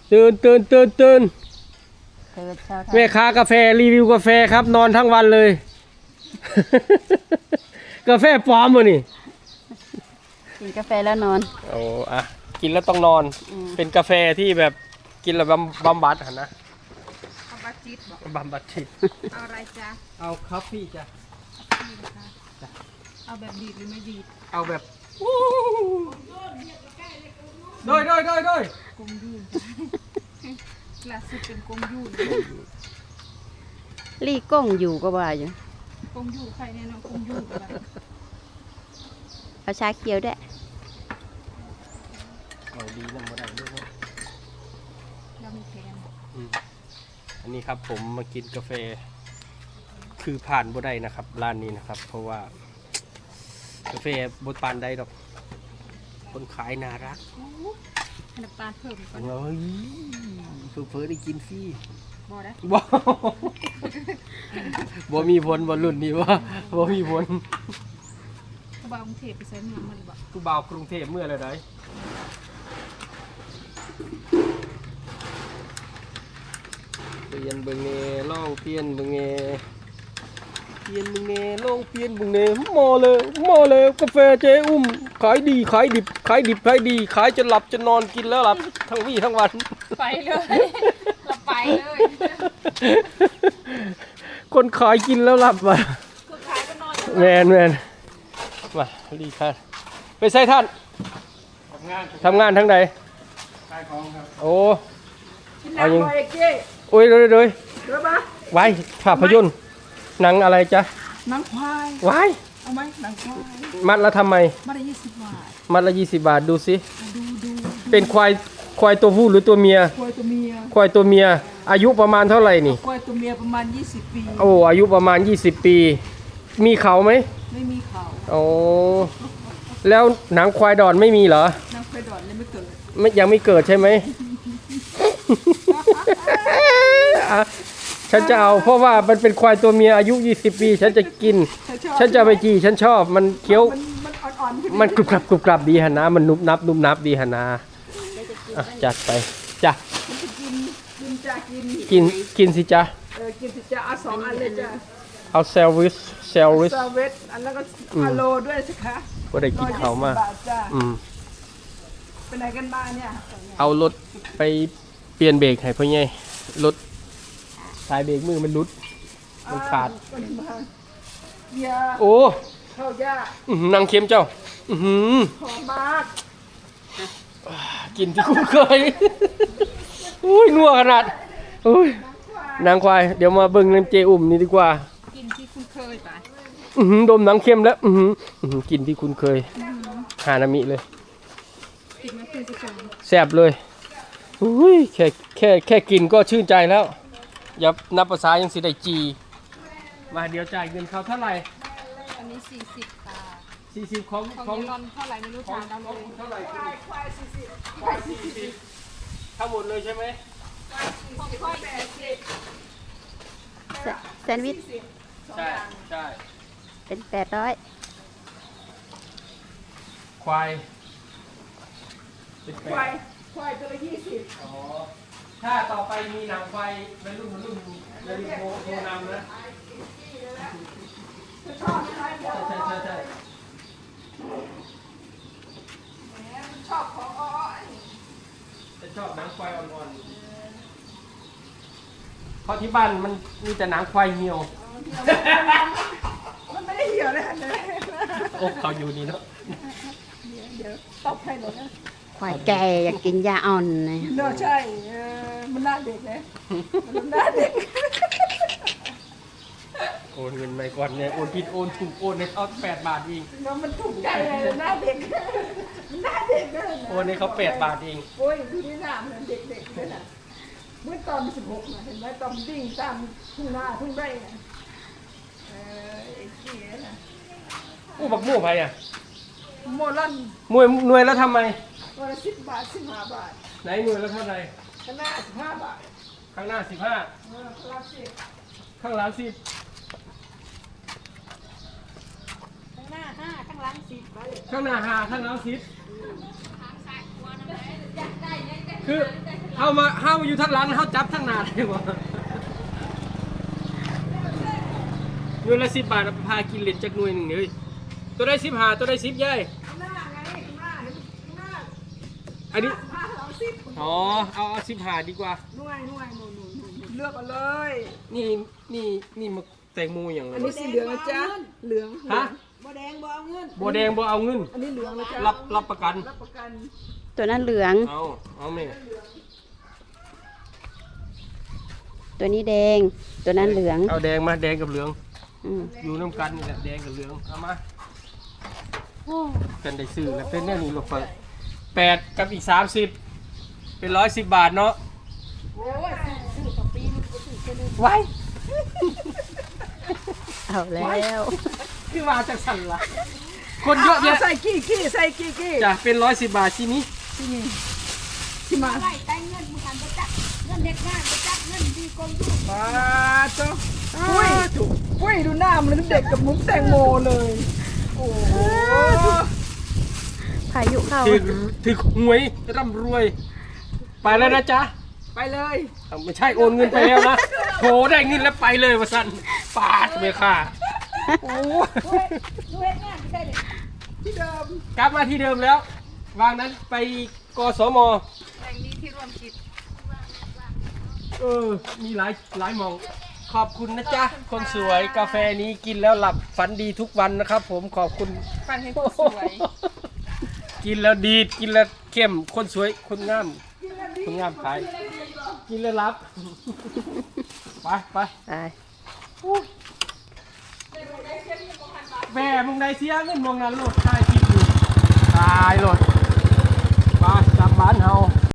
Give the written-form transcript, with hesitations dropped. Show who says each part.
Speaker 1: ตื่นแม่ค้ากาแฟรีวิวกาแฟครับนอนทั้งวันเลย กาแฟปลอมวะนี่
Speaker 2: กินกาแฟแล้วนอน
Speaker 1: โอ้อะกินแล้วต้องนอนเป็นกาแฟที่แบบกินแล้วบำบัดนะ
Speaker 3: บำบัดจิตบอก
Speaker 1: บำบัดจิต
Speaker 3: เอาอะไรจ๊ะ
Speaker 1: เอาคาเฟ่จ้ะ
Speaker 3: นี่นะคะเอาแบบดีดหรือไม่ดีด
Speaker 1: เอาแบบโดย
Speaker 3: กงยูนล่าสุดเป็นกงยูน
Speaker 2: ลี่ก้งอยู่ก็ว่าอยู่
Speaker 3: กงยูใครเนี่ยน้องกงยูแบบ
Speaker 2: เอาชาเขียวได้
Speaker 1: เอาดีนะมาได้ด้วย
Speaker 3: เรามีแฟน
Speaker 1: อันนี้ครับผมมากินกาแฟคือผ่านบ่ได้นะครับร้านนี้นะครับ เพราะว่ากาแฟบดปานได้ดอกคนขายน่ารัก
Speaker 3: น้ำตาลเพิ่มก่อน
Speaker 1: เฮ้ยเพิ่ได้กินฟรี
Speaker 3: บ่ได้
Speaker 1: บ่มีผลบ่รุ่นนี้ว่าบ่มีผล
Speaker 3: ผู้บ่าวกรุงเทพไปใช้เมืองมันบ่
Speaker 1: ผู้บ่าวกรุงเทพเมื่อไรได้เปลี่ยนเบิ่งแน่ลองเปลี่ยนเบิ่งแน่เปลี่ยนเบิ่งแน่ลองเปลี่ยนเบิ่งแน่หม้อเลยกาแฟเจ๊อุ้มขายดีขายดิบขายดีขายจนหลับจนนอนกินแล้วหลับทั้งวี่ทั้งวัน
Speaker 3: ไปเลยเราไปเลย
Speaker 1: คนขายกินแล้วหลับว่ะ
Speaker 3: คนขายก็นอน
Speaker 1: แมนมาดีค่ะไปใส่ท่านทำงานทั้งใดขายของครับโอ้เอายังโอ้ยเลยไว้ภาพยนตร์หนังอะไรจ๊ะ
Speaker 3: หนังควาย
Speaker 1: ไว้
Speaker 3: เอาไหมหนังควาย
Speaker 1: มัดละทำไม
Speaker 3: มัดละ20 บาท
Speaker 1: มัดละ20 บาทดูสิ
Speaker 3: ดู
Speaker 1: เป็นควายตัวผู้หรือตัวเมีย
Speaker 3: ควายตัวเมีย
Speaker 1: อายุประมาณเท่าไหร่นี่
Speaker 3: ควายตัวเมียประมาณ20 ปี
Speaker 1: โอ้อายุประมาณ20 ปีมีเขาไหม
Speaker 3: ไม่มีเขา
Speaker 1: โอ้แล้วหนังควายดอนไม่มีเหรอ
Speaker 3: หนังควายดอนยังไม่เกิด
Speaker 1: ยังไม่เกิดใช่ไหม ฉันจะเอาเพราะว่ามันเป็นควายตัวเมียอายุ20 ปีฉันจะกินฉันจะไปจีฉันชอบมันเคี้ยวมันกรุบกรับดีหนะมันนุบนับดีหนะจัดไปจ้ะกินสิจ้ะ
Speaker 3: กินสิจ้ะเอา2 อันเลยจ้ะ
Speaker 1: เอาเซลวิส
Speaker 3: อันแล้วก็อะโลด้วยสิคะ
Speaker 1: ก็ได้กินเขามา
Speaker 3: เป็นไหนกันบ้างเนี่ย
Speaker 1: เอารถไปเปลี่ยนเบรกให้พ่อใหญ่รถสายเบรกมือมันรุดมันขาดโอ้
Speaker 3: เข้ายาก
Speaker 1: นางเค็มเจ้า
Speaker 3: หอมมาก
Speaker 1: กินที่คุ้นเคยอุ้ยนัวขนาดอุ้ยนางควายเดี๋ยวมาเบิ่งน้ำเจอุ่มนี่ดีกว่า
Speaker 3: กินที่คุ้นเคยไป
Speaker 1: ดมนางเค็มแล้วกินที่คุ้นเคยหานามิเลยแซ่บเลยอุ้ยแค่กินก็ชื่นใจแล้วอย่านับภาษายังสิได้จีมาเดี๋ยวจ่ายเงินเขาเท่าไหร่
Speaker 3: อันนี้40 ค่ะ
Speaker 1: 40ของ
Speaker 3: นอนเท่าไหร่ไม่รู้ทางเราเลย
Speaker 1: เท่าไหร่ควาย40ทั้งหมดเลยใช่ไหม
Speaker 2: แซนด์วิช
Speaker 1: ใช่
Speaker 2: เป็น800
Speaker 1: ควาย
Speaker 3: ตัวละ20
Speaker 1: อ๋อถ้าต่อไปมีหนังควายเป็นรุ่นอย่าลืมโทรนำนะ
Speaker 3: ชอบใช่ชอบของ
Speaker 1: จะชอบหนังควายอ่อนๆเพราะที่บ้านมันมีแต่หนังควายเหี่ยว
Speaker 3: มันไม่ได้เหี่ยวเลย
Speaker 1: โอ้เขาอยู่นี่เนาะ
Speaker 3: เดี๋ยวตบให้หน่อยนะ
Speaker 2: ควายแก่อยากกินยาอ่อนเลย
Speaker 3: เนอะใช่มันน่าเด็กเลยมันน่าเด็ก
Speaker 1: โอนเงินไปก่อนเนี่ยโอนผิดโอนถูกโอนในเขา8 บาทเอง
Speaker 3: น้องมันถูกใจเลยหน้าเด็กหน้าเด็กเลย
Speaker 1: โอนในเขา8 บาทเอง
Speaker 3: โอ้ยดูนี่หน้าเหมือนเด็กๆเลยนะเมื่อตอน16นะเห็นไหมตอนวิ่งตามทุ่งนาทุ่งไร่นะไอ้เกี้ยนะ
Speaker 1: อู้บักมู่ไปอ่ะ
Speaker 3: โมลัน
Speaker 1: หน่วยแล้วทำไม
Speaker 3: วันละ10 บาท15 บาท
Speaker 1: ไหนหน่วยแล้วเท่าไหร่
Speaker 3: ข้างหน้า15 บาท
Speaker 1: ข้างหน้า15ข้างหลัง10
Speaker 3: ข้างหน้า5ข้างหลัง10
Speaker 1: ข้างหน้า5ข้างหลัง10 คือเฮามาอยู่ทางหลังเฮาจับทางหน้าได้บ่หน่วยละ10 บาทเอาไปพากินเล่นจักหน่วยหนึงนี่เฮ้ยตัวได้15ตัวได้10ยาย
Speaker 3: ข้างหน้าไงข้างหน้าเห็นข้างหน้า
Speaker 1: อันนี้
Speaker 3: พาเราสิบ
Speaker 1: อ๋อเอา15ดีกว่า
Speaker 3: หน่วยหเลือกเอาเลย
Speaker 1: นี่มาแตงโมอย่างไร
Speaker 3: อันนี้สีเหลืองนะจ๊ะเหลือง
Speaker 1: ฮะ
Speaker 3: บัวแดงบ่เอาเงิน
Speaker 1: บัวแดงบ่เอาเงิน
Speaker 3: อันนี้เหลืองนะจ๊ะ
Speaker 1: รับประกัน
Speaker 3: รับประกัน
Speaker 2: ตัวนั้นเหลือง
Speaker 1: เอาแม่
Speaker 2: ตัวนี้แดง ตัวนั้นเหลือง
Speaker 1: เอาแดงมาแดงกับเหลือง
Speaker 2: อืม
Speaker 1: อยู่น้ำกันนี่แหละแดงกับเหลืองเอามากันได้ซื้อแล้วเป็นแน่นี่ลูกเปิด8กับอีก30เป็น110 บาทเนาะ
Speaker 3: โอ้ยซื้อต่อปีนึงก็ซื้อแค่นึง
Speaker 1: ไว้
Speaker 2: เอาแล้ว
Speaker 1: คือมาจากสั่นละคนเยอะแยะ
Speaker 3: ใส่กี้ใส่กี้
Speaker 1: จ้ะเป็น110 บาทที่นี้
Speaker 3: ที่มา
Speaker 4: ได้แต่เงินมึงกันประจักเงินเด็กงานประจักเงินดีกองอยู่
Speaker 3: มาจ้ะอุ้ยดูหน้ามันเด็กกับมุ้งแตงโมเลยโอ้โห
Speaker 2: พายุเข้า
Speaker 1: ถือหวยร่ำรวย ไปแล้วนะจ๊ะ
Speaker 3: ไปเลย
Speaker 1: ไม่ใช่โอนเงินไปแล้วนะโหได้เงินแล้วไปเลยวะสันปาดไปค่ะโอ้
Speaker 4: ดูเฮ็ดงานที่ได้เลย
Speaker 3: ที่เดิม
Speaker 1: กลับมาที่เดิมแล้ว วางนั้นไปกสม
Speaker 3: แห่งนี้ที่ร่วมกิจ
Speaker 1: มีหลายหมอง ขอบคุณนะจ๊ะ คนสวยกาแฟนี้กินแล้วหลับฝันดีทุกวันนะครับ ผมขอบคุณ
Speaker 3: ฟันให้คนสวย
Speaker 1: กินแล้วดีกินแล้วเข้มคนสวยคนงามคนงามขายกินแล้วรับ ไป
Speaker 2: ไป
Speaker 1: แม่มึงได้เสียเงินมองนั้นโหลดตายคิดอยู่ตายโหลดไปกลับบ้านเฮา